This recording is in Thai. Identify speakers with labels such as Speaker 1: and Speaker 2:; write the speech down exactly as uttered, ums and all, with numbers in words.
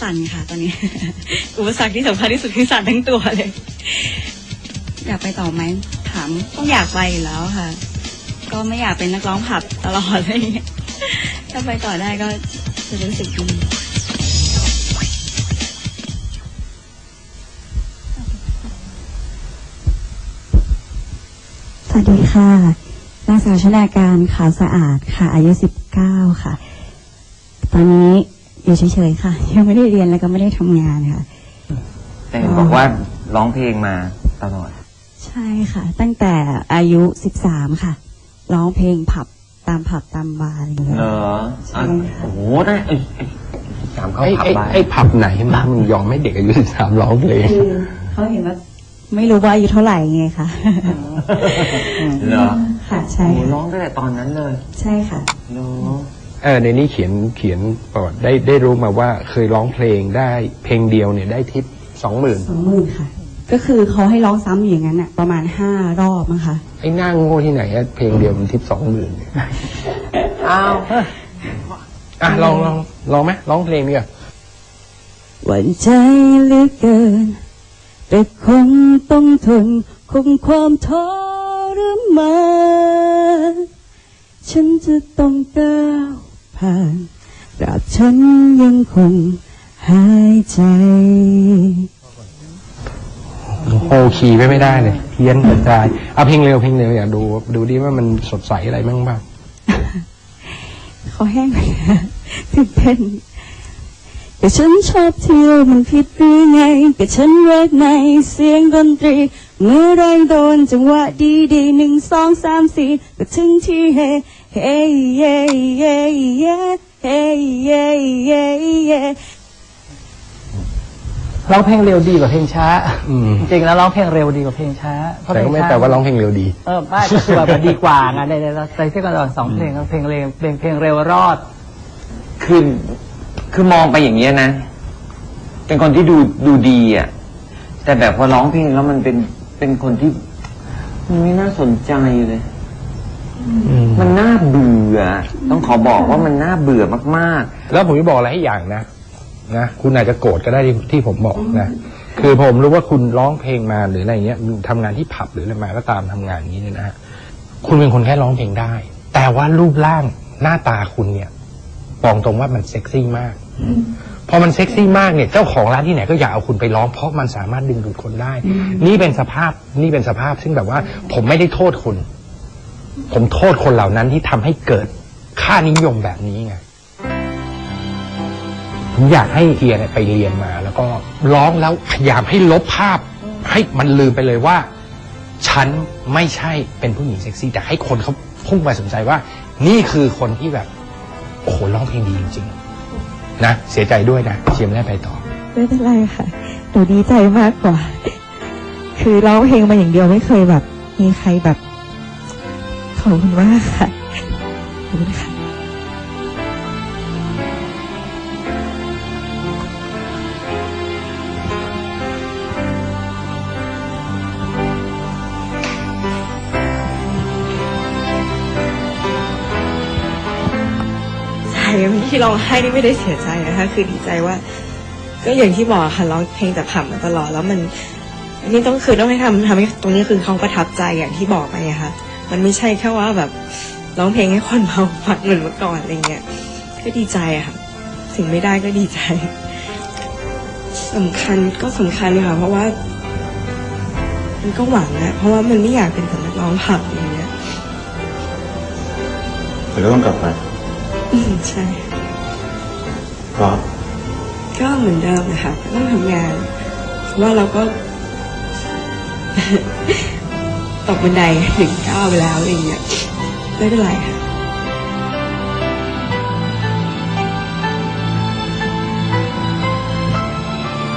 Speaker 1: สั่นค่ะตอนนี้ อุปสรรคที่สำคัญที่สุดคือสั่นทั้งตัวเลย อยากไปต่อไหมถามต้องอยากไปอยู่แล้วค่ะ ก็ไม่อยากเป็นนักร้องผับตลอดเลยถ้าไปต่อได้ก็จะรู้สึกดีสวัสดีค่ะนางสาวชนาการขาวสะอาดค่ะอายุสิบเก้าค่ะตอนนี้อยู่เฉยๆค่ะยังไม่ได้เรียนแล้วก็ไม่ได้ทำงานค่ะ
Speaker 2: แต่บอกว่าร้องเพลงมาตลอด
Speaker 1: ใช่ค่ะตั้งแต่อายุสิบสามค่ะร้องเพลงผับตามผับตามบาร์อะไรอย่างเงี้ย
Speaker 2: เหรอ
Speaker 1: ใช่ค่ะ
Speaker 2: โอ้โหได้ไอ้สามเข้าผับบาร์
Speaker 3: ไอ้ผับไหนมามึงยอมให้เด็กอายุสิบสามร้องเพลง
Speaker 1: คือเขาเห็นว่าไม่รู้ว่าอายุเท่าไหร่ไงคะ
Speaker 2: เหรอ
Speaker 1: ค่ะใช่
Speaker 2: ร้องตั้งแต่ตอนนั้นเลย
Speaker 1: ใช่ค่ะ
Speaker 2: เหรอ
Speaker 3: เออในนี้เขียนเขียนประวัติได้ได้รู้มาว่าเคยร้องเพลงได้เพลงเดียวเนี่ยได้ทิปสองหมื่น
Speaker 1: สองหมื่นค่ะก็คือเขาให้ร้องซ้ำอย่างนั้นอ่ะประมาณห้ารอบมั้งคะ
Speaker 3: ไอ้หน้าโง่ที่ไหนอะเพลงเดียวมันทิปสองหมื่น
Speaker 2: อ้าว
Speaker 3: อ่ะลองลองลองไหมร้องเพลงนี่ก่อน
Speaker 1: หวั่นใจเหลือเกินแต่คงต้องทนคงความทรมานฉันจะต้องก้าวผ่านตราบฉันยังคงหายใจ
Speaker 3: โฮคีย์ไม่ไม่ได้เลยเพี้ยนกระจายเอาเพลงเร็วเพลงเร็วอยากดูดูดิว่ามันสดใสอะไรบ้างบ้าง
Speaker 1: เขาแห้งไปตื่นเต้นแต่ฉันชอบเที่ยวมันผิดหรือไงแต่ฉันรักในเสียงดนตรีเมื่อไรโดนจังหวะดีดีหนึ่งสองสามสี่ก็ถึงที่เฮเฮเย่เย่เย่เฮเย่เย่เย่
Speaker 4: ร้องเพลงเร็วดีกว่าเพลงช้าจริงๆแล้วร้องเพลงเร็วดีกว่าเพลงช้า
Speaker 3: แต่ก็ไม่แต่ว่าร้องเพลงเร็วดี
Speaker 4: เออไม่ก็คือแบบดีกว่าไงในในในที่กันสองเพลงเพลงเร็วเพลงเพลงเร็วรอด
Speaker 2: คือคือมองไปอย่างเงี้ยนะเป็นคนที่ดูดูดีอ่ะแต่แบบพอร้องเพลงแล้วมันเป็นเป็นคนที่มันไม่น่าสนใจเลยมันน่าเบื่อต้องขอบอกว่ามันน่าเบื่อมาก
Speaker 3: ๆแล้วผมจะบอกอะไรให้อย่างนะนะคุณอาจจะโกรธก็ได้ที่ผมบอกนะคือผมรู้ว่าคุณร้องเพลงมาหรืออะไรเงี้ยทำงานที่ผับหรืออะไรมาก็ตามทำงานนี้เนี่ยนะฮะคุณเป็นคนแค่ร้องเพลงได้แต่ว่ารูปร่างหน้าตาคุณเนี่ยบอกตรงว่ามันเซ็กซี่มากพอมันเซ็กซี่มากเนี่ยเจ้าของร้านที่ไหนก็อยากเอาคุณไปร้องเพราะมันสามารถดึงดูดคนได้นี่เป็นสภาพนี่เป็นสภาพซึ่งแบบว่าผมไม่ได้โทษคุณผมโทษคนเหล่านั้นที่ทำให้เกิดค่านิยมแบบนี้ไงผมอยากให้เฮียเนี่ยไปเรียนมาแล้วก็ร้องแล้วพยายามให้ลบภาพให้มันลืมไปเลยว่าฉันไม่ใช่เป็นผู้หญิงเซ็กซี่แต่ให้คนเขาพุ่งมาสนใจว่านี่คือคนที่แบบโอ้โหร้องเพลงดีจริงๆนะเสียใจด้วยนะเชียร์ไม่ได้ไปต่อ
Speaker 1: ไม่เป็นไรค่ะหนูดีใจมากกว่าคือร้องเพลงมาอย่างเดียวไม่เคยแบบมีใครแบบขอบคุณมากค่ะขอบคุณค่ะที่ร้องไห้นี่ไม่ได้เสียใจนะคะคือดีใจว่าก็อย่างที่บอกค่ะร้องเพลงแต่ผับมาตลอดแล้วมันนี่ต้องคือต้องให้ทำทำให้ตรงนี้คือเขาประทับใจอย่างที่บอกไปอะค่ะมันไม่ใช่แค่ว่าแบบร้องเพลงให้คนเมาฟังเหมือนเมื่อก่อนอะไรเงี้ยก็ดีใจอะค่ะถึงไม่ได้ก็ดีใจสำคัญก็สำคัญค่ะเพราะว่ามันก็หวังนะเพราะว่ามันไม่อยากเป็นแต่นักร้องผับอย่างเงี้ย
Speaker 5: แต่ก็ต้องกลับไป
Speaker 1: อืมใช่
Speaker 5: ก็
Speaker 1: ก็เหมือนเดิมนะคะต้องทำงานว่าเราก็ตกบันไดถึงก้าวไปแล้วอะไรอย่างเงี้ยไม่เป็นไรค่ะ